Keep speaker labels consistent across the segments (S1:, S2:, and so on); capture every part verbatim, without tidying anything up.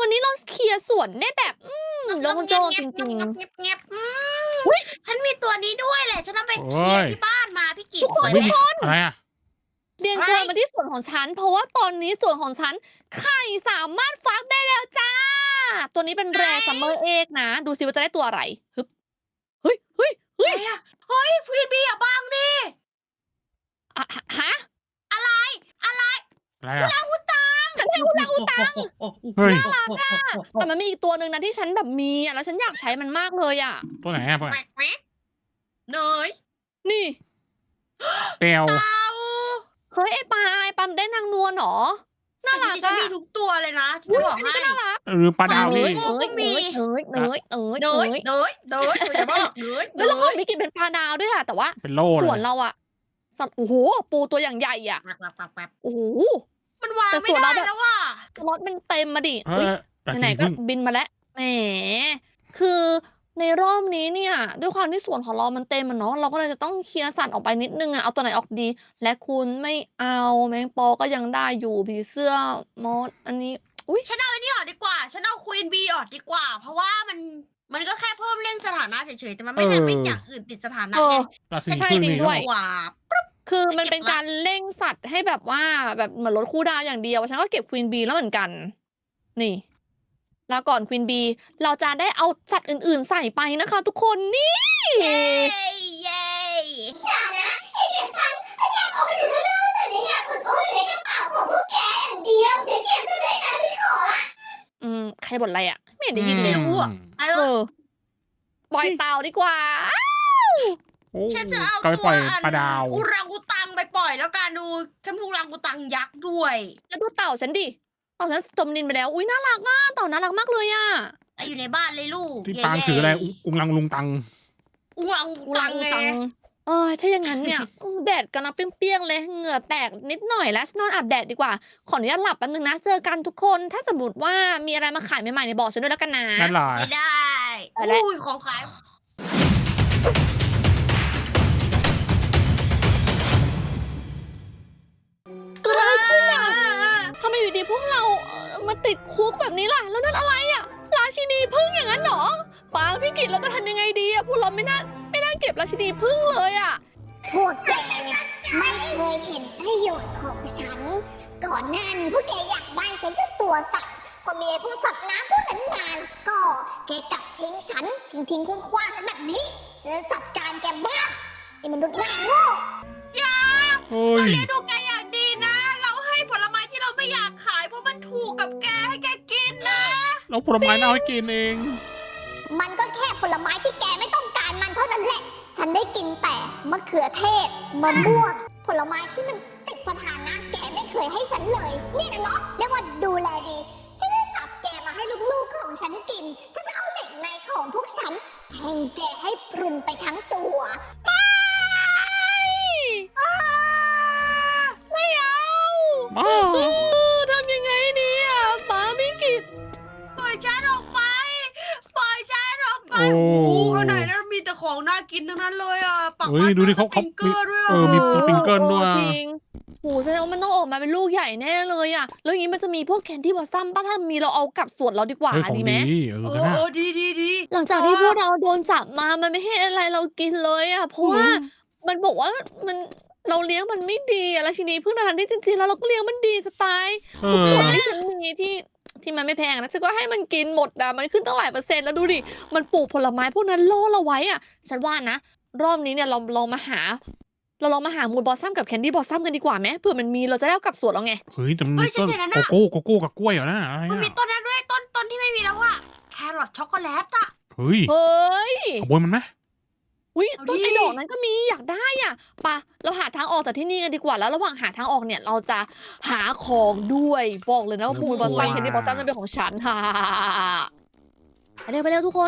S1: วันนี้เราเคลียร์สวนได้แบบ อืมโล่งโจ้งจริง
S2: ๆ เงียบๆอืมฉันมีตัวนี้ด้วยแหละ ฉันเอาไปเคลียร์ที่บ้านมาพี่กิต
S1: ทุกคน
S2: สวยไหม
S3: อะไรอ่ะ
S1: ๆ เรียนเชิญมาที่สวนของฉัน เพราะว่าตอนนี้สวนของฉันไข่สามารถฟักได้แล้วจ้า ตัวนี้เป็นแรร์ซัมเมอร์เอกนะ ดูสิว่าจะได้ตัวอะไรฮึบเฮ้ยเฮ้ยเฮ้ย
S2: อะไรอะเฮ้ยควีนบีอย่าบังดิ
S1: อะฮะ
S2: อะไร อะไร
S3: อะไรอ่ะ
S2: อุตัง
S1: ฉันให้อุลังอุตัง
S3: เฮ้ย
S1: แต่มันมีอีกตัวหนึ่งนะที่ฉันแบบมีอ่ะแล้วฉันอยากใช้มันมากเลยอ่ะ
S3: ตัวไหนอ่ะตัวไหน
S2: เนย
S1: นี่
S3: เตียว
S2: เต่า
S1: เฮ้ยไอ้ปลาไอ้ปลาได้นางนวลเหรอ น่ารัก
S2: ฉัน
S1: อะ
S2: มีทุกตัวเลยนะฉัน
S1: อุ๊
S2: จะ
S1: ย
S2: บอก
S1: อันนี้
S2: ให้
S1: ก็น่ารัก
S3: หรือปลาดาว
S1: เน
S3: นี่
S1: ยเนยเนยเนยเนยเนยเน
S2: เน
S1: ย
S2: ย เนย เนยอย่าบอกเนย
S1: เฮ้ยแล้วเขามีกินเป็นปลาดาวด้วยอะแต่ว่า
S3: เป็นโล่
S1: ส
S3: เล
S1: วน
S3: ย
S1: เราอะสัตว์โอ้โหปูตัวอย่างใหญ่อะ
S2: แป๊บแป๊บแป๊บแป๊บ
S1: โอ้โห
S2: มันวาง
S1: แต่
S2: ไม่
S1: ส่วน
S2: ได้
S1: เราแบบ
S2: แล้วว่ะ
S1: รถมันเต็มมาดิ
S3: เอ
S1: อุ๊ย
S3: อแต่
S1: ไหน
S3: สี
S1: ๆก็
S3: พึ่ง
S1: บินมาแล้วแหมคือในรอบนี้เนี่ย ด้วยความที่สวนของเรามันเต็มอะเนาะเราก็เลยจะต้องเคลียร์สัตว์ออกไปนิดนึงอะเอาตัวไหนออกดี และคุณไม่เอาแมงปอก็ยังได้อยู่ผีเสื้อมอสอันนี้ อุ้ย
S2: ฉันเอาไอ้นี่ออกดีกว่า ฉันเอาควีนบีออกดีกว่า เพราะว่ามัน มันก็แค่เพิ่มเร่งสถานะเฉยๆ แต่มันไม่ทำให้อย่างอื่นติดสถานะ
S1: เออ
S2: ไง
S3: ราศี
S1: ใช่
S3: พึ่ง
S1: จริง
S3: นี่
S1: ด้วย
S2: กว่า
S1: คือมัน
S2: จะเก็บ
S1: เป็นการเร่งสัตว์ให้แบบว่าแบบเหมือนลดคู่ดาวอย่างเดียวฉันก็เก็บควีนบีแล้วเหมือนกัน นี่ แล้วก่อนควีนบีเราจะได้เอาสัตว์อื่นๆใส่ไปนะคะทุกคนนี่
S2: เย้เย้
S4: อย่านะไอ้เด็กฟังฉันอยากออกไปอยู่ข้างนอกฉันอยากอุดอู้อยู่ในกระเป๋าของพวกแกอย่างเดียวเดี๋ยวเก็บฉันเลยนะฉันขอละ
S1: อืมใครบ่นอะไรอ่ะ ไม่เห็นได้ยินเลย
S3: อืม
S2: ไอ้
S1: เออปล่อยเต่าดีกว่า
S3: โอ้
S2: ฉันจะเอา
S3: ก็ไป
S2: ตั
S3: ปล่
S2: ว
S3: อย
S2: อัน
S3: ปลาดาว
S2: อุรังอุตังไปปล่อยแล้วกันดูฉันมีอุรังอุตังยักษ์ด้วย
S1: แล้วดูเต่าฉันดิเต่าฉันจมดินไปแล้ว อุ้ยน่ารักอ่ะเต่าน่ารักมากเลยอ่ะ
S2: ไอ้อยู่ในบ้านเลยลูก
S3: ที่
S2: เย่
S3: ปางถืออะไรอุอุงลังลุงตัง
S2: อุรังอุ
S1: อุ
S2: ตั
S1: ลั
S2: ง
S1: งอุ
S2: ไง
S1: ตังเออถ้าอย่างนั้นเนี่ย อืมแดดกำลังเปรี้ยงๆเลย เหงื่อแตกนิดหน่อยแล้วฉันนอนอาบแดดดีกว่า ขออนุญาตหลับแป๊บนึงนะ เจอกันทุกคน ถ้าสมมติว่ามีอะไรมาขายใหม่ๆเนี่ยบอกฉันด้วยแล้วกันนะ
S3: นั่นแหละ
S2: ไม่ได้
S1: ไปแล้ว
S2: อุ้ยของขาย
S1: เกิดอะไรขึ้นอ่ะทำไมอยู่ดีพวกเราเอ่อมาติดคุกแบบนี้ล่ะ แล้วนั่นอะไรอ่ะ ราชินีพึ่งอย่างนั้นเหรอปางพี่กิตเราจะทำยังไงดีอ่ะ พวกเราไม่น่าไม่น่าเก็บราชินีพึ่งเลยอ่ะ
S4: พวกแกไม่เคยเห็นประโยชน์ของฉัน ก่อนหน้านี้พวกแกอยากได้ฉันจะตัวสัตว์พอมีไอ้พวกสัตว์น้ำพวกนั้นมาก็แกกลับทิ้งฉันทิ้งทิ้งคว้างคว้างๆฉันแบบนี้ฉันจะจัดการแกบ้างไอ้มนุษย์หน้าโง่
S2: อย่า
S3: เฮ้
S2: เรา
S3: ย
S2: เลี้ยงดูแกอย่างดีนะ เราให้ผลไม้ที่เราไม่อยากขายเพราะมันถูกกับแกให้แกกินนะ
S3: เราผลไม้เน่าให้กินเอง
S4: มันก็แค่ผลไม้ที่แกไม่ต้องการมันเท่านั้นแหละ ฉันได้กินแต่มะเขือเทศมะม่วงผลไม้ที่มันติดสถานะแกไม่เคยให้ฉันเลย นี่นะเหรอเรียกว่าดูแลดี ฉันจะจับแกมาให้ลูกๆของฉันกินฉันจะเอาเด็กในของพวกฉันแทงแกให้พรุนไปทั้งตัว
S1: ไม่เอา
S3: มา
S1: เออทำยังไงดีอ่ะป้าพี่กิต
S2: ปล่อยฉันออกไป ปล่อยฉันออกไป
S3: โอ้
S2: โอ้ข้างในนั้นมีแต่ของน่ากินทั้งนั้นเลยอ่ะปัก
S3: เฮ้ยดูดิเขาเขา
S2: สปริงเกอร์ด้วย
S3: เอ
S2: อ่ะ
S3: อมีสปริงเกิลด้วย
S1: จริงโหแสดงว่ามันต้องออกมาเป็นลูกใหญ่แน่เลยอ่ะ แล้วอย่างนี้มันจะมีพวกแคนดี้บอสซัมป่ะถ้ามีเราเอากลับสวนเราดีกว่า
S3: เฮ้ยของ
S1: ดีไหม
S3: ดีเออ
S2: เอ
S3: กัน
S2: อ
S3: นะ
S2: เออดีดีดี
S1: หลังจากที่พวกเราโดนจับมา มันไม่ให้อะไรเรากินเลยอ่ะ เพราะว่ามันบอกว่ามันเราเลี้ยงมันไม่ดีอะราชินีพึ่งทันที่จริงๆแล้วเราก็เลี้ยงมันดีสไตล์
S3: เอ
S1: ทุก
S3: อ
S1: ส่วนที่ฉันมีที่ที่มันไม่แพงนะฉันก็ให้มันกินหมดอะมันขึ้นตั้งหลายเปอร์เซ็นต์แล้วดูดิ มันปลูกผลไม้พวกนั้นล่อเราไว้อะฉันว่านะ รอบนี้เนี่ยเราลองมาหา เราลองมาหามูลบอสซัมกับแคนดี้บอสซัมกันดีกว่าไหมเผื่อมันมีเราจะได้เอากลับสวนเราไง
S3: เฮ้ยแต่มันมีต้นโกโก้โกโก้กับกล้วยเหรอนะอะไร
S2: มันมี
S3: อ่ะ
S2: ต้นนั้นด้วยต้นต้นที่ไม่มีแล้วอ่ะแครอทช็อกโกแลตอ่ะ
S3: เฮ้ย
S1: เฮ้ย
S3: ขโมยมันไหม
S1: วิ
S2: เอา
S1: ต้น
S2: ดิ
S1: ไอ้ดอกนั้นก็มีอยากได้อ่ะปะเราหาทางออกจากที่นี่กันดีกว่าแล้วระหว่างหาทางออกเนี่ยเราจะหาของด้วยบอกเลยนะว่ามูลบอสซัมแคนดี้บอสซัมนั่นเป็นของฉันฮ่าไปเร็วไปเร็วทุกคน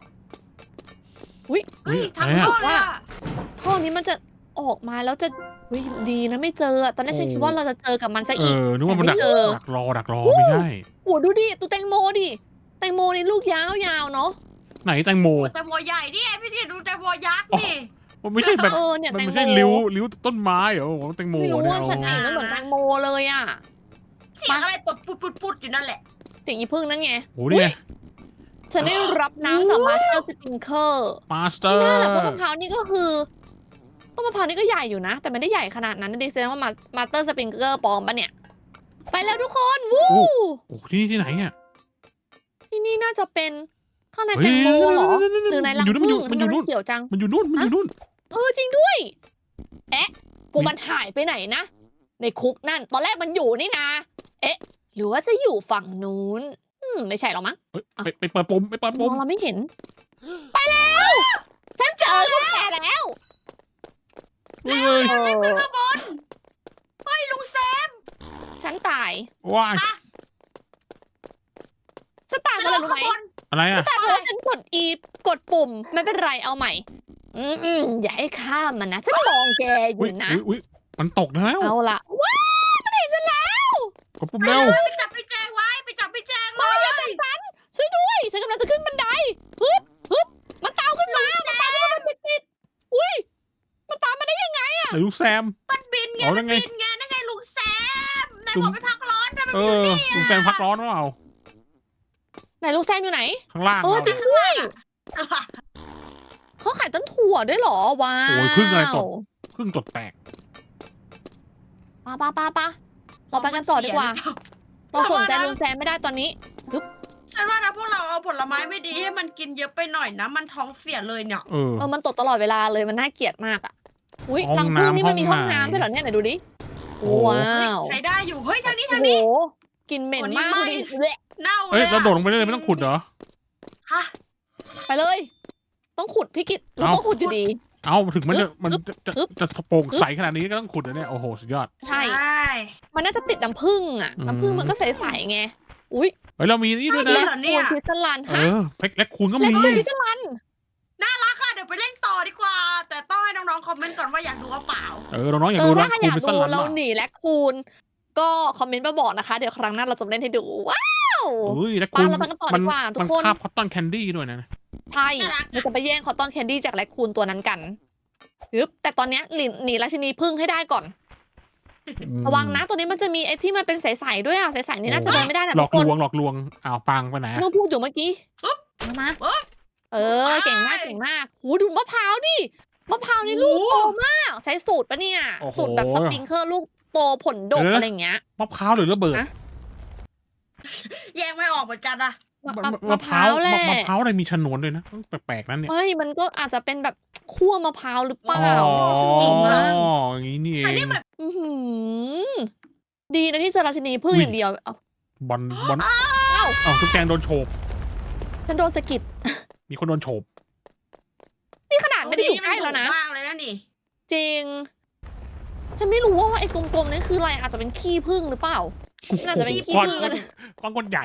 S2: เฮ้ยทาง
S3: อะไร
S2: เข้า
S3: อ่ะ
S2: เลยอ่ะ
S1: ท่อนี้มันจะออกมาแล้วจะวิดีนะไม่เจออะตอนแรกฉันคิดว่าเราจะเจอกับมันซะ
S3: เอ
S1: อีก
S3: อนึกว่ามันดัก
S1: แต่ไม่เจอ
S3: ดักรอดักรอไม่ใช่
S1: โอ้ดูดิตัวแตงโมดิแตงโมนี่ลูกยาวๆเนาะ
S3: ไหนแตงโม
S2: โอ้แตงโมใหญ่นี่ไงพี่ดิดูแตงโมยักษ์นี่
S3: มันไม่ใช่แบบ
S1: เออเนี่ย
S3: มัน
S1: แตง
S3: ไม่
S1: โม
S3: ใช่ริ้วริ้วต้นไม้เหรอผมว่าแตงโม
S1: ไม่รู้
S3: เนี่ย
S1: ว่า
S3: เอา
S1: สัตว์ไหนมันเหมือนแตงโมเลยอ่ะ
S2: เสียงอะไรตดปุดปุดปุดอยู่นั่นแหละ
S1: เสียงอีพึ่งนั่นไง
S3: โอ้เนี่ย
S1: ฉันได้รับน้ำจากมาสเตอร์สปริงเกอร์
S3: มาสเตอร์
S1: น่าแหละต้นมะพร้าวนี่ก็คือต้นมะพร้าวนี่ก็ใหญ่อยู่นะ แต่ไม่ได้ใหญ่ขนาดนั้นนะดิแสดงว่ามาสเตอร์สปริงเกอร์ปลอมปะเนี่ย ไปแล้วทุกคนวู้
S3: โอ้ที่นี่ที่ไหนเนี่ย
S1: ที่นี่น่าจะเป็นข้างใน
S3: เฮ้
S1: แต
S3: ย
S1: งโมเหรอ หรือในรัง
S3: มันอยู่
S1: ผึ้
S3: นู่
S1: ง
S3: นมันอยู่
S1: ทำไม
S3: นู่น
S1: เขียวจัง
S3: มันอยู่นู่นมันอยู่นู่น
S1: เออจริงด้วย เอ๊ะพวกมันหายไปไหนนะ ในคุกนั่น ตอนแรกมันอยู่นี่นะ เอ๊ะ หรือว่าจะอยู่ฝั่งนู้น อืมไม่ใช่หรอกมั้ง
S3: เฮ้ยไปไปเปิดปุ่มไปเปิด
S1: ม
S3: ปุ่
S1: อ
S3: ม
S1: งเราไม่เห็น ไปแล้ว ฉันเจอพวกแกแล้ว
S3: เฮ้ย
S2: รีบขึ้นมาบนเฮ้ยลุงแซม
S1: ฉันตาย
S3: ว้าย
S1: ฉันตาย
S2: จะ
S1: เพราะ
S2: ล
S1: อะไร
S2: ง
S1: รู้
S2: ข้า
S1: ไหม
S2: งบน
S3: อะไรอ่ะ
S1: แต่เพราะว่าฉันกด E กดปุ่มไม่เป็นไรเอาใหม่ อืมอืมอย่าให้ข้ามมันนะ ฉันมองแกอ
S3: อุ้ย
S1: ยู่นะ
S3: อุ้ยอุ้ยมันตกแล้ว
S1: เอาละว้าวมันเห็นฉันแล้ว
S3: กดปุ่ม
S2: ไป
S3: เร็ว
S2: เลยไปจับไปแจงไว้ไปจับไปแจงเลย
S1: ช่วยด้วย ฉันกำลังจะขึ้นบันไดฮึบฮึบมันตามขึ้นมา มันตามขึ้นมาติดติดๆอุ้ย มันตามมาได้ยังไง
S3: ไหนลูกแซม
S2: มันบินไง
S3: เอา
S2: มั
S3: ได้
S2: น
S3: ไง
S2: บินไงนั่นไงลุงแซมนาย
S3: ลุง
S2: บอกไปพักร้อนแต่มัน
S3: เอ
S2: อยู่
S3: อ
S2: นี่
S3: ลูกแซมพักร้อนหรือเปล่า
S1: ไหนลูกแซมอยู่ไหน
S3: ข้างล่าง
S1: เออ
S3: เรา
S1: จริงด้วย เขาขายต้นถั่วด้วยเหรอ ว้าว
S3: โอ้ยพึ่งอะไรตด พึ่งตดแตก
S1: ปะปะปะปะเราไปกันต่อดีกว่า เราสนใจลุงแซมไม่ได้ตอนนี้
S2: ฉันว่านะพวกเราเอาผลไม้ไม่ดีให้มันกินเยอะไปหน่อยนะ มันท้องเสียเลยเนี่ย
S3: เออ
S1: เออ มันตดตลอดเวลาเลย มันน่าเกลียดมากอ่ะ อุ้ย
S3: ห้
S1: รั
S3: อง ง
S1: ผึ้ง
S3: น้ำ
S1: นี่มันมีห้อง
S3: ห้องไหน
S1: น้ำด้วยเหรอเนี่ยไหนดูดิ
S3: โอ้โห
S1: ว้าว
S2: ใช้ได้อยู่ เฮ้ยทางนี้
S1: โอ้
S2: ทาง
S1: โห
S2: นี้
S1: กลินเหม็น
S2: โอ้นี่
S1: มาก
S2: ไหม้
S1: ดูดิเละ
S2: เน่าเล
S3: เอ้ย
S2: ย
S3: เรา
S2: อะ
S3: โดดลงไปได้เลยไม่ต้องขุดเหรอ
S2: ฮะ
S1: ไปเลย ต้องขุดพี่กิตเรา
S3: เอ้า
S1: ต้องขุดอยู่ดี
S3: เอ้าถึงมันจะมัน
S1: อึ๊บ
S3: จะจะ
S1: อึ๊บ
S3: จะโปร่งใสขนาดนี้ก็ต้องขุดนะเนี่ย โอ้โห สุดยอด
S1: ใช่
S2: ใช่
S1: มันน่าจะติดน้ำผึ้งอ่ะ
S3: อืม
S1: น้ำผึ้งมันก็ใสๆไง อุ้ย
S3: เฮ้ยเรามีนี่ด้วย
S2: นี่
S3: นะ
S2: เหรอเนี่ย
S1: คูณพิซซ่าลัน
S3: เอ
S1: ฮะ
S3: อเพกและคูณก็
S1: แล้ว
S3: มี
S1: ก็พิซซ่าลัน
S2: ค่ะเดี๋ยวไปเล่นต่อดีกว่า แต่ต้องให้น้องๆคอมเมนต์ก่อนว่าอยากดูหรือเปล่า
S3: เออน้องๆอยาก
S1: เอ
S3: ดู
S1: อ
S3: นะ
S1: ถ้าใครอ
S3: คูณ
S1: ยาก
S3: เป็นส
S1: ดู
S3: ลัน
S1: เรา
S3: ว่ะ
S1: หนีและคูณก็คอมเมนต์มาบอกนะคะ เดี๋ยวครั้งหน้าเราจะเล่นให้ดู ว้าว
S3: เอ้ยและ
S1: ไป
S3: คูณ
S1: เราไปกันต่อ
S3: มั
S1: ดีกว่าทุ
S3: มั
S1: ก
S3: น
S1: คน
S3: คาบคอตตอนแคนดี้ด้วยนะ
S1: ใช่
S2: น่ารัก
S1: เราจะไปแย่งคอตตอนแคนดี้จากแรคคูนตัวนั้นกันฮึบแต่ตอนเนี้ยหนีหนีราชินีพึ่งให้ได้ก่อน
S3: อืม
S1: ระวังนะตัวนี้มันจะมีไอ้ที่มันเป็นใสๆด้วยอ่ะใสๆนี่น่าจะเดินไม่ได้นะ
S3: หล
S1: ทุ
S3: อก
S1: กคน
S3: ลวงหลอกลวงอ้าวปังไปไหนอะ
S1: เมื่อพูดอยู่เมื่อกี้
S2: ปึ๊บ
S1: เอามา
S2: ปึ๊บ
S1: เออเก่งมากเก่งมากหูดูมะพร้าวดิมะพร้าวนี่ลูกโตมาก ใช้สูตรปะเนี่ย สูตรแบบสปริงเกอร์ลูกโตผลดกอะไรอย่างเงี้ย
S3: มะพร้าวหรือระเบิด
S1: ฮะ
S2: แยกไม่ออกเหมือนกันอะ
S1: มะ
S3: มะ
S1: มะ
S3: มะ
S1: มะ
S3: พ
S1: พ
S3: ร้า
S1: ร้าว วแหละ
S3: มะมะพร้าวอะไรมีชนวนด้วยนะแปลกๆนั่นเนี่ย
S1: ไม่มันก็อาจจะเป็นแบบคั่วมะพร้าวหรือเปล่า
S3: อ๋อ
S1: ไม่ใช่ชนิดมั้ง
S3: อย่างนี้นี่เอ
S2: อัน
S3: ง
S2: นี้เหมือน
S1: อื้อหือดีนะที่เจอราชินีพึ่ง
S3: อุ้ย
S1: อย่างเดียวเอา
S3: บอลบอล
S1: เอ้า
S3: อ้าวทุกแกงโดนโฉบ
S1: ฉันโดนสะกิด
S3: มีคนโดนโฉบ
S1: นี่ขนาดไม่ได้อยู่ใกล้แล้วนะ
S2: มากเลยนะนี่
S1: จริง ฉันไม่รู้ว่าไอ้กลมๆนั่นคืออะไรอาจจะเป็นขี้ผึ้งหรือเปล่า น่าจะเป็นขี้
S3: ก้อน
S1: ผึ้ง
S3: ก้อ
S1: ก็
S3: น
S1: ได้
S3: ก้อนก้อนใหญ่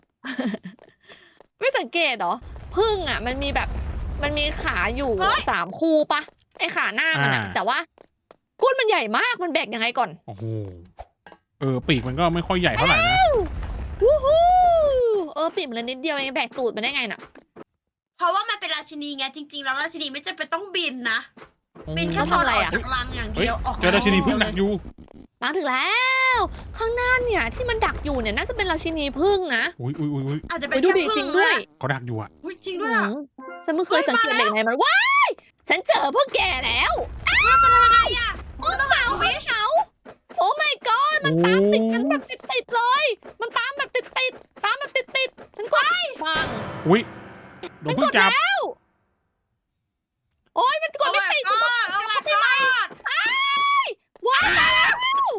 S1: ไม่สังเกตเหรอผึ้งอ่ะ มันมีแบบมันมีขาอยู่
S2: เฮ้ย
S1: สามคู่ปะไอ้ขาหน้ามันอะ
S3: อ่า
S1: แต่ว่าก้นมันใหญ่มากมันแบกยังไงก่อน
S3: โอ้โหเออปีกมันก็ไม่ค่อยใหญ่เท่าไหร่นะ
S1: วู้ฮู้เออปีกมันเลยนิดเดียวเองแบกตูดมันได้ไงน่ะ
S2: เพราะว่ามันเป็นราชินีไงจริง ๆ แล้วราชินีไม่จำเป็นต้องบินนะ บินแค่
S1: แล้ว
S2: ตอน
S1: ทำอะไร
S2: ออก
S1: อะ
S2: จากรังอย่าง
S3: เฮ้ย
S2: เดียวออก
S3: เจอราชินีพึ่งดักอยู่
S1: มาถึงแล้ว ข้างหน้าเนี่ยที่มันดักอยู่เนี่ยน่าจะเป็นราชินีผึ้งนะ
S3: อุ้ยอุ้ยอุ้ยอุ้ย
S2: อาจจะ
S1: ไป
S2: เป็น
S1: ดู
S2: แค่
S1: ดิ
S2: พึ่
S1: จริงด้วย
S3: เขาดักอยู่อะ
S2: อุ๊ยจริงด้วยอะ
S1: อืมฉันไม่เคยสังเกตเด็กไหนมันว้ายฉันเจอพวกแกแล้ว
S2: เราจะทำยังไงอะ
S1: โอ้เสาไม่เสาโอ้ my god มันตามติดฉันแบบติดๆเลย มันตามแบบติดๆตามแบบติดๆฉันกดฟัง
S3: อุ้ยโดนพึ่งจับ
S1: แล้วโอ้ยมันกดไม่ติด
S2: โอ้
S1: ฉันกด
S2: my god โอ้ my
S1: ไม่ไหว
S2: god
S1: ว้ายตายแล้ว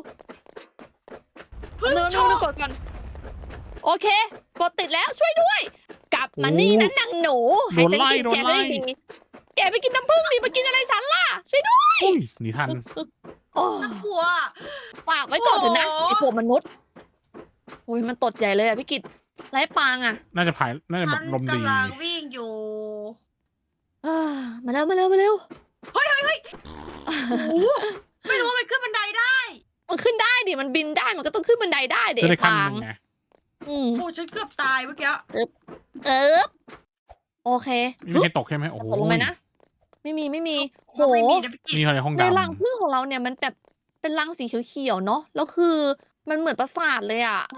S2: พึ่ง
S1: เนิน
S2: โช
S1: เนิน
S2: ว์
S1: กดก่อนโอเค กดติดแล้วช่วยด้วย กลับมานี่นะนางหนูให้ฉันกินแกได้ดีแกไปกินน้ำผึ้งดิมากินอะไรฉันล่ะช่วยด้วย
S3: อุ้ยหนีทัน
S1: โอ้
S2: กลัว
S1: ฝากไว้ก่อนเถอะนะ
S2: โอ้โห
S1: ไอพวกมนุษย์โอ้ยมันตดใหญ่เลยอะพี่กิตไร้ปางอะ
S3: น่าจะผายน่าจะแบ
S2: ฉั
S3: บ
S2: น
S3: ลมดี
S2: กำลังวิ่งอยู่
S1: เอ้อมาเร็วมาเร็วมาเร็ว
S2: โอ้โหไม่รู้ว่ามันขึ้นบันไดได้
S1: มันขึ้นได้ดิมันบินได้มันก็ต้องขึ้นบันไดได้เด็
S3: จะได้
S1: ก
S3: ขั้น
S1: ฟาง
S3: หนึ่งไง
S1: อืม
S2: โอ้ฉันเกือบตายเมื่อกี้
S1: เออโอเค
S3: ไม่มีใครตกใช่ไหมโอ้โห
S1: ตกลงไปนะ ไม่มีไม่มีโห
S2: มันไม่มีนะพี่กิ
S3: นี่
S2: ต
S3: อะไรห้อง
S1: ใน
S3: ดำ
S1: รังผึ้งของเราเนี่ยมันแบบเป็นรังสีเขียวๆเนาะแล้วคือมันเหมือนปราสาทเลยอะ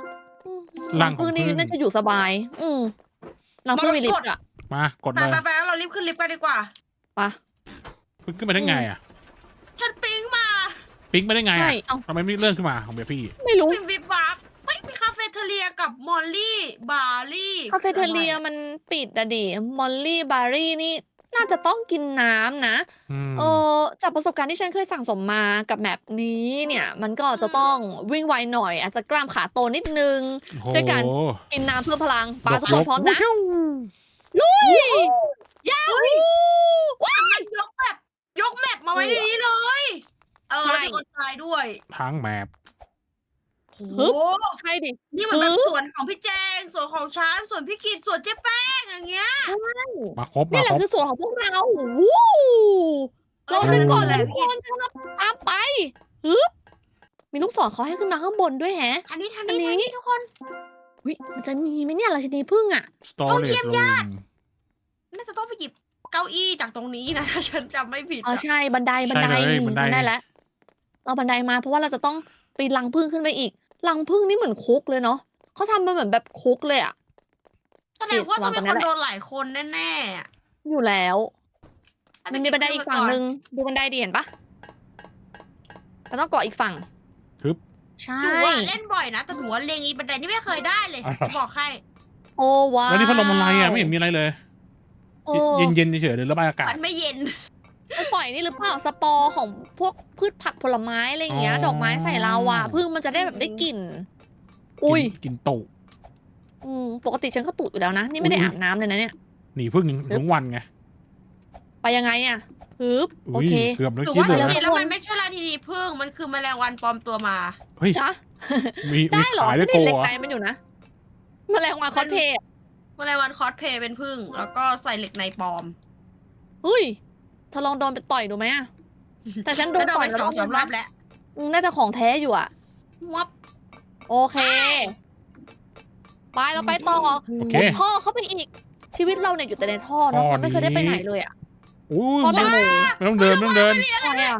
S1: อืม
S3: รังของ
S1: พึ่งนี่
S3: ผึ้ง
S1: น่าจะอยู่สบาย อืมรังพึ่งมีลิฟต์อะ
S3: มากด
S2: ไป
S3: เลย
S2: ไปไปๆๆเรารีบขึ้นลิฟต์กันดีกว่า
S1: ไปะ
S3: พึ่งขึ้นไปได้ไงอ่ะ
S2: ฉันปิ๊งมา
S3: ปิ๊งไปได้ไง
S1: ใช่
S3: อ่ะ
S1: เอ้า
S3: ทำไมไม่เลื่อนขึ้นมาของเบียร์พี่
S1: ไม่รู้
S2: ปิ๊งวิบวับเฮ้ยมีคาเฟ่เทเลียกับมอลลี่บาร์ลี่
S1: คาเฟ่เทเลียมันปิดอะดิมอลลี่บาร์รี่นี่น่าจะต้องกินน้ำนะ
S3: อืม
S1: เออจากประสบการณ์ที่ฉันเคยสั่งสมมากับแมปนี้เนี่ย มันก็จะต้องวิ่งไวหน่อย อาจจะกล้ามขาโตนิดนึง
S3: โอ้โห
S1: ด้วยการ กินน้ำเพิ่มพลังปลาทุก
S3: ย
S1: คน
S3: ก
S1: พร้อมนะ
S3: วิว
S1: ลุยยาฮูว้าย
S2: ยกแบบยกแมปมาไว้ในนี้เลย เออ
S1: ใช่
S2: มีคนตายด้วย
S3: ทั้งแมป
S2: โอ้
S1: ฮึ
S2: โห
S1: บ ใช่ดิ
S2: นี่มันแบบ
S1: ฮึบ
S2: สวนของพี่แจงสวนของช้างสวนพี่กิตสวนเจ๊แป้งอย่างเงี้ย
S3: มาครบ
S1: นี่
S3: มา
S1: แหละ
S3: ครบ
S1: คือส่วนของพวกเราวู้เราฉันก่อนเลย
S2: เออ
S1: ทุกคนจะตามไปฮึบมีลูกศรเขาให้ขึ้นมาข้างบนด้วยแฮะ
S2: อันนี้ทาง
S1: อัน
S2: นี้
S1: นี้
S2: ทางนี้ทุกคน
S1: วิมันจะมีไหมเนี่ยราชินีพึ่งอ่ะ
S3: สตอเรจรูม
S2: น่าจะต้องไปหยิบเก้าอี้จากตรงนี้นะ ถ้าฉันจำไม่ผิด
S1: อ๋อ
S2: อะ
S1: ใช่บันไดบันได
S3: ใช่เลย
S1: อืม
S3: บันได
S1: ฉันได้แล้วเราบันไดมาเพราะว่าเราจะต้องปีนรังพึ่งขึ้นไปอีกรังพึ่งนี่เหมือนคุกเลยเนาะเขาทำมาเหมือนแบบคุกเลยอ่ะ
S2: แสดงว่าต้องมี
S1: วางตรงนั้
S2: คน น
S1: แหละ
S2: โดนหลายคนแน่ๆอะ
S1: อยู่แล้ว
S2: ให้
S1: มัน
S2: ไป
S1: มีบันไดอีกฝั่งหนึ่ง
S2: เ
S1: ดูบันไดดีเห็นปะเราต้องเกาะอีกฝั่ง
S3: ทึบ
S1: ใช่
S2: หนูว่าเล่นบ่อยนะแต่หนูว่าเลงอีบันไดนี่ไม่เคยได้เลย
S3: อ่ะ
S2: จะบอกให้
S1: โอ้ว้าว
S3: แล้วนี่พัดลมอะไรอ่ะไม่เห็นมีอะไรเลย
S1: โอ้
S3: เย็นเย็นๆเฉยๆหรือระบายอากาศ
S2: มันไม่เย็น
S1: ไปปล่อยนี่หรือเปล่าสปอร์ของพวกพืชผักผลไม้อะไรอย่างเงี้ย
S3: อ๋อ
S1: ดอกไม้ใส่เราอ่ะพึ่งมันจะได้แบบได้กลิ่น อุ้ย
S3: กินกินตุ
S1: อืมปกติฉันก็ตุอยู่แล้วนะ นี่ไม่ได้
S3: อุ๊ย
S1: อาบน้ำเลยนะเนี่ย
S3: หนีพึ่งทั้งวันไง
S1: ไปยังไงอ่ะฮึบโอ
S3: อุ้ย
S1: เค
S3: เกือบเมื่อ
S2: หนู
S3: กี้
S2: ว่า
S3: เล
S2: จ
S3: ย
S2: ริ
S3: นะ
S2: งๆแล้วมันไม่ใช่ราชินีผึ้งมันคือแมลงวันปลอมตัวมา
S3: เฮ้ย
S1: จ๊ะ
S3: มีมี
S1: ได้เหรอ
S3: ขาย
S1: ฉั
S3: ได้
S1: น
S3: โก
S1: เห็นเหล็ก
S3: อ่ะ
S1: ในมันอยู่นะแมลงวันคอสเพลย์
S2: แมลงวันคอสเพลย์เป็นผึ้งแล้วก็ใส่เหล็กในปลอม
S1: เฮ้ยเธอลองโดนไปต่อยดูไหมอ่ะแต่ฉันโด
S2: ก็
S1: น
S2: โดน
S1: ต่อ
S2: ไป
S1: ยแล้ว
S2: สองสามรอบแล้ว
S1: อืมน่าจะของแท้อยู่อ่ะ
S2: วับ
S1: โอเค ไปเราไปต่อ
S3: โอเค
S1: มุดท่อเข้าไปอีก ชีวิตเราเนี่ยอยู่แต่ในท่อเนาะ
S3: ท่อ
S1: เราไม่เคยได้ไป
S3: นี้
S1: ไหนเลยอ่ะ
S3: อุ้ย
S1: ท่อแต
S3: ไม่
S1: งโม
S3: ไม่ต้องเดินไม่ต้องเดิน
S1: อะไรอ่ะ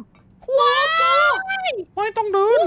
S3: ไม่ต้องเดิน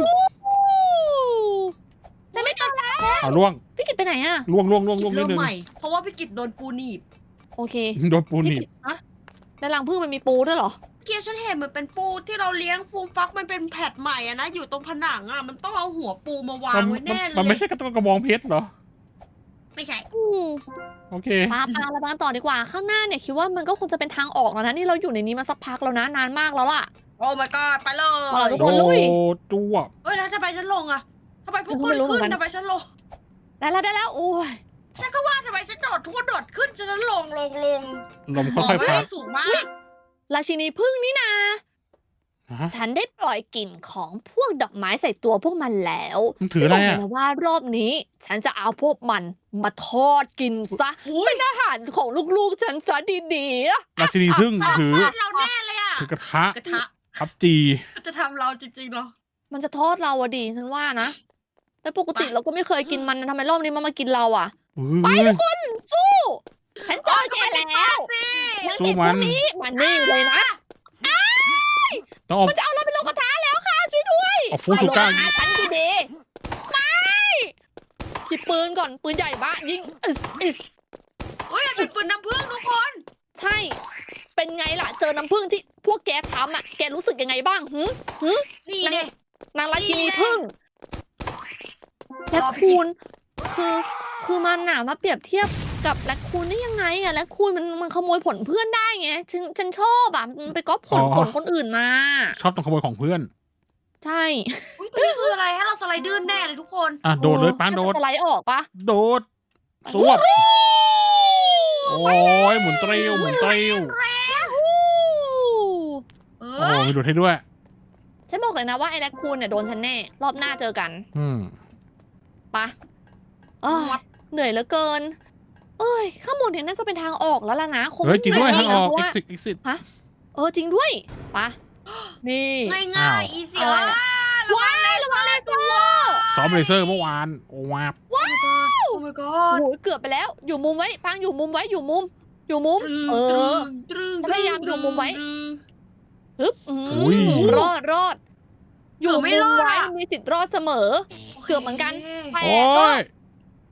S1: ฉันไม่ต้องแล้ว
S3: เอาล่วง
S1: พี่กิตไปไหนอ่ะ
S3: ล่วงล่วงล่วงล่วงนิ
S2: เริ่
S3: ด
S2: ม
S3: นึง
S2: ใหม่ เพราะว่าพี่กิตโดนปูหนีบ
S1: โอเค
S3: โดนปูห
S1: พี่
S3: นีบ
S1: กิตอะในรังผึ้งมันมีปูด้วยเหรอ
S2: เกียร์ฉันเห็นมันเป็นปูที่เราเลี้ยงฟูมฟักมันเป็นแผดใหม่อะนะ อยู่ตรงผนังอะมันต้องเอาหัวปูมาวาง
S3: มัน
S2: ไว้แน่เล
S3: มันไม่
S2: ย
S3: ใช่กระกระบองเพชรเหรอ
S2: ไม่ใช่
S1: อืม
S3: โอเค
S1: ปาปาเราไปกันต่อดีกว่า ข้างหน้าเนี่ยคิดว่ามันก็คงจะเป็นทางออกแล้วนะ นี่เราอยู่ในนี้มาสักพักแล้วนะ นานมากแล้วล่ะ
S2: โอ้ my god ไปเล
S1: เอาล่ะ
S2: ย
S1: ทุก
S3: โด
S1: คนลุย
S3: จั่ว
S2: เอ้ยแล้วทำไมฉันลงอะทำไมพวก
S1: ฉันก็
S2: คุ
S1: ไม่
S2: ณ
S1: รู้เหมื
S2: ขึ้
S1: อน
S2: น
S1: กัน
S2: ทำไมฉันลง
S1: ได้แล้วได้แล้ว โอ้ย
S2: ฉันก็ว่าทำไมฉันโดดทุกคนโดดขึ้นฉันลงลงลง
S3: ลม
S2: อ๋อ
S3: ค่อยๆ
S2: ไม่
S3: พั
S2: ได้
S3: ด
S2: สูงมาก
S1: ราชินีผึ้งนี่นา
S3: ฮะ
S1: ฉันได้ปล่อยกลิ่นของพวกดอกไม้ใส่ตัวพวกมันแล้ว
S3: มันถืออะไร
S1: ฉันบก
S3: อ่ะ
S1: เลยนะว่ารอบนี้ ฉันจะเอาพวกมันมาทอดกินซะ
S2: อุ้ย
S1: เป็นอาหารของลูกๆฉันซะดีๆอะ
S3: ราชินีพึ่งถือ
S2: ฟาดเราแน่เลยอะ
S3: ถือกระทะ
S2: กระทะ
S3: พับจี
S2: จะทำเราจริงๆเหรอ
S1: มันจะทอดเราอะดิฉันว่านะแต่ปกติ
S2: ไป
S1: เราก็ไม่เคยกินมันนะทำไมรอบนี้มันมากินเราอะ
S3: ไป
S1: ทุกคนสู้ฉันเจอแก
S2: โยก็ไม่ได้
S1: แล้ว
S2: สิ
S1: นาง
S3: สู้
S1: เด็กพ
S3: มั
S1: วน กนี้มันนี่เลยนะ
S3: ต้องเอา
S1: มันจะเอาเราไปลงกระทะแล้วค่ะช่วยด้วย
S3: เอาฟูซูก้า
S1: ไปลงกระทะฉันดีๆไม่หยิบปืนก่อนปืนใหญ่บ้ายิงอึสอึส
S2: อุ้ยมันเป็นปืนน้ำผึ้งทุกคน
S1: ใช่ เป็นไงล่ะ เจอน้ำผึ้งที่พวกแกทำอ่ะ แกรู้สึกยังไงบ้างหืหึ
S2: นี่
S1: นั่น
S2: เนี่ย
S1: นางราชินี
S2: นี่แน่
S1: ผึ้งแลคคูนคือ คือมันน่ะมาเปรียบเทียบกับแลคคูนได้ยังไงอะแลคคูนมันมันขโมยผลเพื่อนได้ไง ฉันฉันชอบอะมันไปก๊อปผล
S3: อ๋อ
S1: ผลคนอื่นมา
S3: ชอบต้องขโมยของเพื่อน
S1: ใช่
S2: อุ้ยตัวนี้คืออะไรให้เราสไลด์ดื้นแน่เลยทุกคน
S3: อ่ะโดดเลยป้านโดด
S1: จะสไลด์ออกปะ
S3: โดด สวบ โอ้ยหมุนเตรียวหมุนเตรียว
S2: เอ
S3: โอ้
S2: อ
S3: มีดูดให้ด้วย
S1: ฉันบอกเลยนะว่าไอ้แลคคูนเนี่ยโดนฉันแน่ รอบหน้าเจอกัน
S3: อืม
S1: ปะเอ้ยเหนื่อยเหลือเกิน เอ้ย ข้างบนเนี่ยน่าจะเป็นทางออกแล้วล่ะนะ คง
S3: เฮ้ยจริงด้วย
S1: ไม่
S3: ทางออก
S1: เพราะว่า
S3: exit exit
S1: เออจริงด้วยปะนี่
S2: ง่ายง่ายอีซี่
S1: อะไร
S2: ว้า
S1: อะ ว้ายระวังเลเซอร์
S3: ซ้อมเลเซอร์เมื่อวาน โอ้วาบ
S2: โอ้ my
S1: โอ้
S2: god
S1: โหเกือบไปแล้ว อยู่มุมไว้ปังอยู่มุมไว้อยู่มุม อยู่มุม เออ
S2: ตรึง
S1: จะพยายามดูมุมไว้
S2: ตรึง
S1: ฮึบอืม
S3: อุ้ย
S1: รอดรอด อยู่
S2: เกือบ
S1: มุ
S2: ไม่
S1: ม
S2: รอด
S1: ไว้
S2: อะ
S1: มีสิทธิ์รอดเสมอ เกือบเหมือนกัน
S2: โค
S1: แต่
S3: โอ้
S1: ก็
S3: ย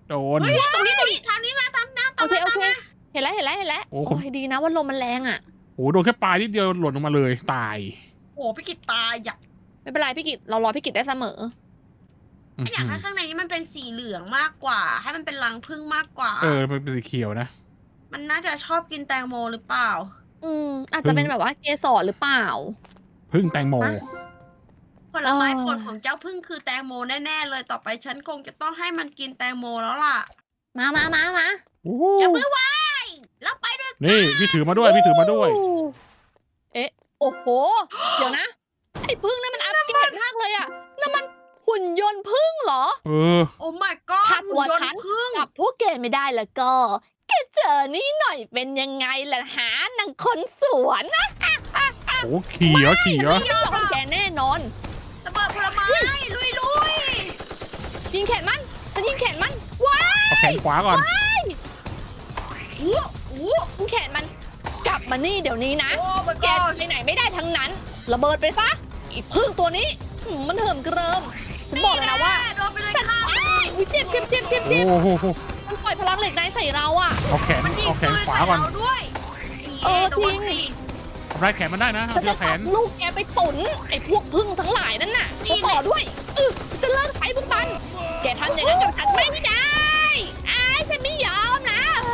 S3: โดน
S2: เฮ้ยตรงนี้ตรงนี้ทางนี้มาตามน้ำ
S1: โอ
S2: ตาม
S1: เค
S2: มา
S1: โอ
S2: ตาม
S1: เค
S2: มา
S1: เห็นแล้วเห็นแล้วเห็นแล้ว
S3: โอ้
S1: โอ้
S3: ผม
S1: ยดีนะว่าลมมันแรงอ่ะ
S3: โอ้โหโดนแค่ปลายนิดเดียวหล่นลงมาเลยตาย
S2: โอ้พี่กิตตายอยาก
S1: ไม่เป็นไรพี่กิตเรารอพี่กิตได้เสมอ
S2: อยากให้ข้างในนี้มันเป็นสีเหลืองมากกว่า ให้มันเป็นรังผึ้งมากกว่า
S3: เออมันเป็นสีเขียวนะ
S2: มันน่าจะชอบกินแตงโมหรือเปล่า
S1: อืมอาจจะเป็นแบบว่าเกสรหรือเปล่า
S3: พึ่งแตงโม
S1: มา
S2: ผลไม้
S1: อ๋อ
S2: โปรดของเจ้าพึ่งคือแตงโมแน่ๆเลยต่อไปฉันคงจะต้องให้มันกินแตงโมแล้วล่ะ
S1: มามามามา
S3: โอ้โห
S2: อย่ามือไว้แล้วไปด้วย
S3: นี่พี่ถือมาด้วยพี่ถือมาด้วย
S1: เอ๊ะโอ้โห เดี๋ยวนะ ไอ้พึ่งนั่นมันอัปเกรดมากเลยอ่ะนั่นมันหุ่นยนต์พึ่งเหรอ
S3: เออ
S2: โอ้ my god
S1: ถ้าตัว
S2: หุ่นยน
S1: ฉัน
S2: ต์พึ่ง
S1: กับพวกแกไม่ได้แล้วก็ แกเจอนี่หน่อยเป็นยังไงล่ะหานางคนสวนนะ
S3: โอ้ขี่เหรอขี่เหรอ
S1: ไม่ยอมแกแน่นอน
S2: ระเบิดผลไม้ลุยลุย
S1: ยิงแขนมันฉันยิงแขนมัน ว้า
S3: เอาแขนขวาก่อน
S2: ๆอู้อู้
S1: ยิงแขนมัน กลับมานี่เดี๋ยวนี้นะ
S2: โอ้ my
S1: แก
S2: god
S1: ไปไหนไม่ได้ทั้งนั้น ระเบิดไปซะอีพึ่งตัวนี้หืมมันเหิมเกริม ฉันบอกเลยนะว่า
S2: โดนไปเลย
S1: ฉัน
S2: ค่ะ
S1: อ้ายอุ๊ยเจ็บเจ็บเจ็บเจ็บเจ็บ
S3: โอ้โห
S1: มันปล่อยพลังเหล็กในใส่เราอะ
S3: เอาแขน
S2: มันยิง
S3: เอาแข
S2: ปื
S3: น
S2: น
S3: ขวา
S2: ใส่
S3: ก่อน
S2: เราด้วย
S1: เออ
S2: โดน
S1: จริง
S2: สิ
S3: ทำลายแขนมันได้นะ
S1: ฉั
S3: เอา
S1: น
S3: เชื
S1: จะ
S3: อกแข
S1: จั
S3: น
S1: บลูกแกไปตุนไอ้พวกพึ่งทั้งหลายนั่นน่ะตัวต่อด้วยเออจะเลิกใช้พวกมัน แกทำอย่างนั้นกับฉันไม่ได้ไอ้ายฉันไม่ยอมนะ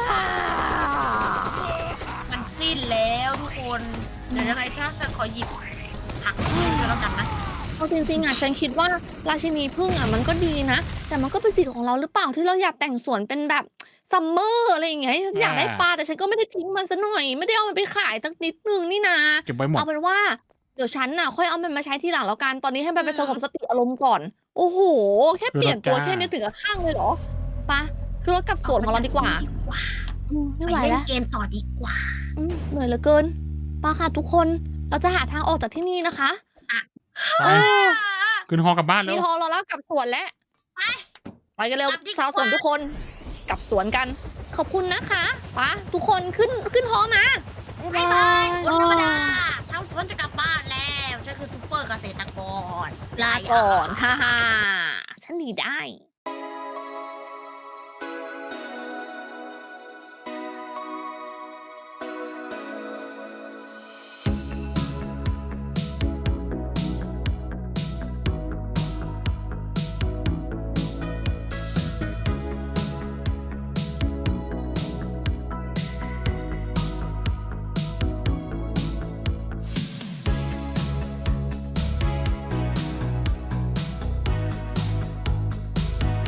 S2: มันสิ้นแล้วทุกคน เดี๋ยวยังไงถ้าฉันขอหยิบผักขึ้นก็แล้วกันนะ
S1: เอาจริงๆอ่ะฉันคิดว่าราชินีพึ่งอ่ะมันก็ดีนะ แต่มันก็เป็นสิทธิ์ของเราหรือเปล่าที่เราอยากแต่งสวนเป็นแบบซัมเมอร์อะไรอย่างเงี้ยฉันอยากได้ปลาแต่ฉันก็ไม่ได้ทิ้งมันซะหน่อย ไม่ได้เอามันไปขายสักนิดนึงนี่นา
S3: เก็บไว้หมด
S1: เอาเป็นว่าเดี๋ยวฉันน่ะค่อยเอามันมาใช้ทีหลังแล้วกันตอนนี้ให้มันไปสงบสติอารมณ์ก่อน โอ้โห แค่เปลี่ยนตัวแค่นี้ถึงกับข้างเลยเหรอไปะคือรถกลับสวนของเราดีกว่าอืม
S2: ไป
S1: ไม่ไหว
S2: เล่น
S1: แล้ว
S2: เกมต่อดีกว่า
S1: อืมเหนื่อยเหลือเกินไปะค่ะทุกคนเราจะหาทางออกจากที่นี่นะคะ
S3: ไป
S1: เออ
S3: ขึ้นฮอกลับบ้านแล้
S1: มี
S3: ว
S1: ฮอเราแล้วกลับสวนแล้ว
S2: ไป
S1: ไปกันเร็ว
S2: กลับดีกว่า
S1: ชาวสวนทุกคนกลับสวนกัน ขอบคุณนะคะไปะทุกคนขึ้นขึ้นฮอมา
S2: บายบายวันธรรมดาชาวสวนจะกลับบ้านแล้วฉันคือซูเปอร์เกษตรกร
S1: ลาก่อนฮ่าฮ่าฉันหนีได้